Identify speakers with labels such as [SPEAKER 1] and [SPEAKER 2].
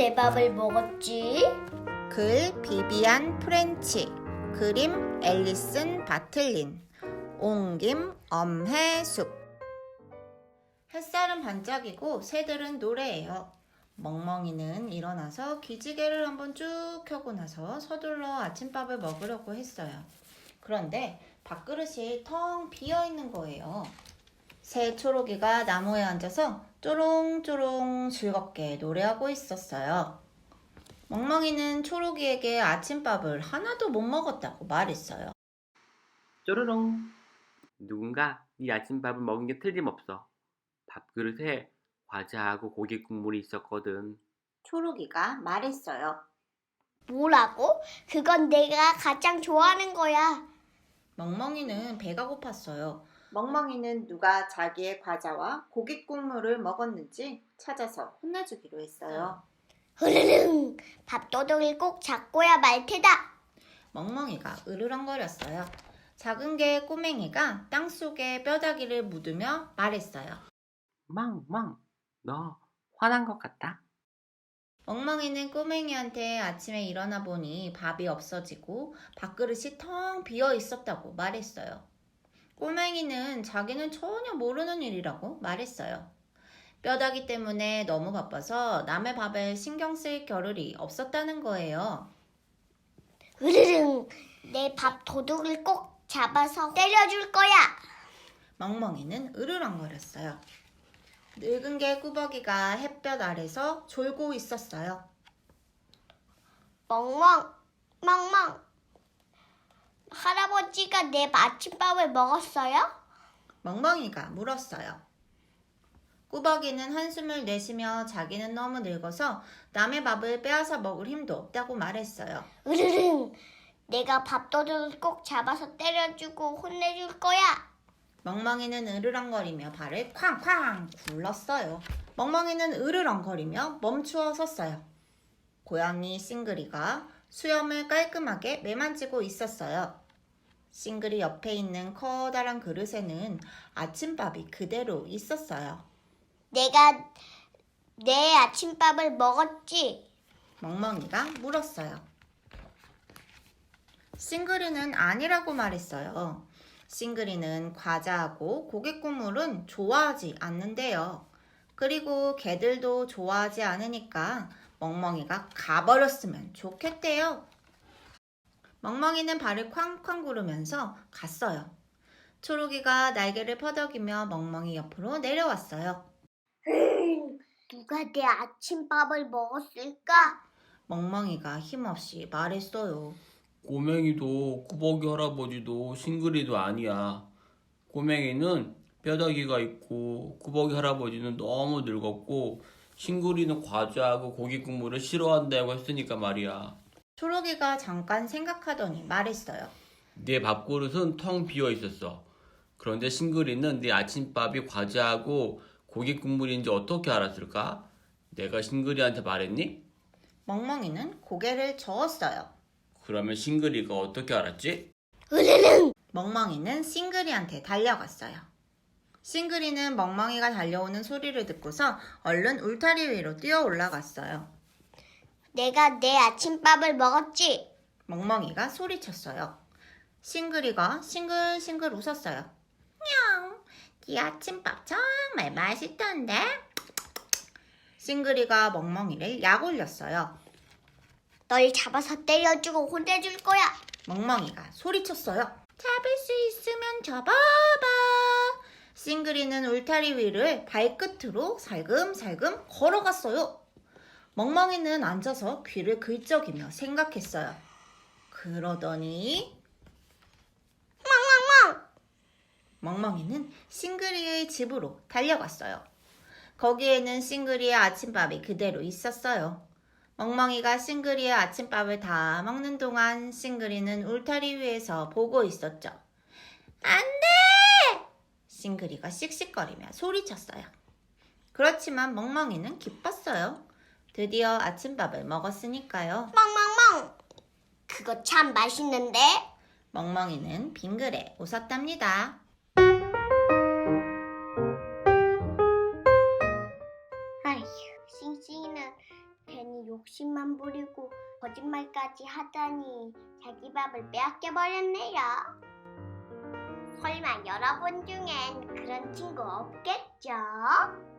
[SPEAKER 1] 내 밥을 먹었지?
[SPEAKER 2] 글 비비안 프렌치, 그림 앨리슨 바틀린, 옮김 엄해숙. 햇살은 반짝이고 새들은 노래해요. 멍멍이는 일어나서 기지개를 한번 쭉 켜고 나서 서둘러 아침밥을 먹으려고 했어요. 그런데 밥그릇이 텅 비어있는 거예요. 새 초록이가 나무에 앉아서 쪼롱쪼롱 즐겁게 노래하고 있었어요. 멍멍이는 초록이에게 아침밥을 하나도 못 먹었다고 말했어요.
[SPEAKER 3] 쪼르롱. 누군가 네 아침밥을 먹은 게 틀림없어. 밥그릇에 과자하고 고기 국물이 있었거든.
[SPEAKER 2] 초록이가 말했어요.
[SPEAKER 1] 뭐라고? 그건 내가 가장 좋아하는 거야.
[SPEAKER 2] 멍멍이는 배가 고팠어요. 멍멍이는 누가 자기의 과자와 고기 국물을 먹었는지 찾아서 혼내주기로 했어요.
[SPEAKER 1] 흐르릉! 밥도둑을 꼭 잡고야 말 테다.
[SPEAKER 2] 멍멍이가 으르렁거렸어요. 작은 개 꼬맹이가 땅속에 뼈다귀를 묻으며 말했어요.
[SPEAKER 3] 망망, 너 화난 것 같다.
[SPEAKER 2] 멍멍이는 꼬맹이한테 아침에 일어나 보니 밥이 없어지고 밥그릇이 텅 비어 있었다고 말했어요. 꼬맹이는 자기는 전혀 모르는 일이라고 말했어요. 뼈다귀 때문에 너무 바빠서 남의 밥에 신경 쓸 겨를이 없었다는 거예요.
[SPEAKER 1] 흐르릉! 내 밥 도둑을 꼭 잡아서 때려줄 거야.
[SPEAKER 2] 멍멍이는 으르렁거렸어요. 늙은 개 꾸벅이가 햇볕 아래서 졸고 있었어요.
[SPEAKER 1] 멍멍! 멍멍! 할아버지가 내 아침밥을 먹었어요?
[SPEAKER 2] 멍멍이가 물었어요. 꾸벅이는 한숨을 내쉬며 자기는 너무 늙어서 남의 밥을 빼앗아 먹을 힘도 없다고 말했어요.
[SPEAKER 1] 으르릉! 내가 밥도둑을 꼭 잡아서 때려주고 혼내줄 거야.
[SPEAKER 2] 멍멍이는 으르렁거리며 발을 쾅쾅 굴렀어요. 멍멍이는 으르렁거리며 멈추어 섰어요. 고양이 싱글이가 수염을 깔끔하게 매만지고 있었어요. 싱글이 옆에 있는 커다란 그릇에는 아침밥이 그대로 있었어요.
[SPEAKER 1] 내가 내 아침밥을 먹었지?
[SPEAKER 2] 멍멍이가 물었어요. 싱글이는 아니라고 말했어요. 싱글이는 과자하고 고기 국물은 좋아하지 않는데요. 그리고 개들도 좋아하지 않으니까 멍멍이가 가버렸으면 좋겠대요. 멍멍이는 발을 쾅쾅 구르면서 갔어요. 초록이가 날개를 퍼덕이며 멍멍이 옆으로 내려왔어요.
[SPEAKER 1] 누가 내 아침밥을 먹었을까?
[SPEAKER 2] 멍멍이가 힘없이 말했어요.
[SPEAKER 4] 꼬맹이도 꾸벅이 할아버지도 싱글이도 아니야. 꼬맹이는 뼈다귀가 있고 꾸벅이 할아버지는 너무 늙었고 싱글이는 과자하고 고기 국물을 싫어한다고 했으니까 말이야.
[SPEAKER 2] 초록이가 잠깐 생각하더니 말했어요.
[SPEAKER 4] 네 밥그릇은 텅 비어 있었어. 그런데 싱글이는 네 아침밥이 과자하고 고기 국물인지 어떻게 알았을까? 내가 싱글이한테 말했니?
[SPEAKER 2] 멍멍이는 고개를 저었어요.
[SPEAKER 4] 그러면 싱글이가 어떻게 알았지?
[SPEAKER 1] 으르릉!
[SPEAKER 2] 멍멍이는 싱글이한테 달려갔어요. 싱글이는 멍멍이가 달려오는 소리를 듣고서 얼른 울타리 위로 뛰어 올라갔어요.
[SPEAKER 1] 내가 내 아침밥을 먹었지?
[SPEAKER 2] 멍멍이가 소리쳤어요. 싱글이가 싱글싱글 웃었어요. 냥, 네 아침밥 정말 맛있던데? 싱글이가 멍멍이를 약 올렸어요.
[SPEAKER 1] 널 잡아서 때려주고 혼내줄 거야.
[SPEAKER 2] 멍멍이가 소리쳤어요. 잡을 수 있으면 잡아봐. 싱글이는 울타리 위를 발끝으로 살금살금 걸어갔어요. 멍멍이는 앉아서 귀를 긁적이며 생각했어요. 그러더니 멍멍이는 싱글이의 집으로 달려갔어요. 거기에는 싱글이의 아침밥이 그대로 있었어요. 멍멍이가 싱글이의 아침밥을 다 먹는 동안 싱글이는 울타리 위에서 보고 있었죠. 안 돼! 싱글이가 씩씩거리며 소리쳤어요. 그렇지만 멍멍이는 기뻤어요. 드디어 아침밥을 먹었으니까요.
[SPEAKER 1] 멍멍멍! 그거 참 맛있는데?
[SPEAKER 2] 멍멍이는 빙그레 웃었답니다.
[SPEAKER 1] 아휴, 싱싱이는 괜히 괜히 욕심만 부리고 거짓말까지 하다니 자기 밥을 빼앗겨 버렸네요. 설마 여러분 중엔 그런 친구 없겠죠?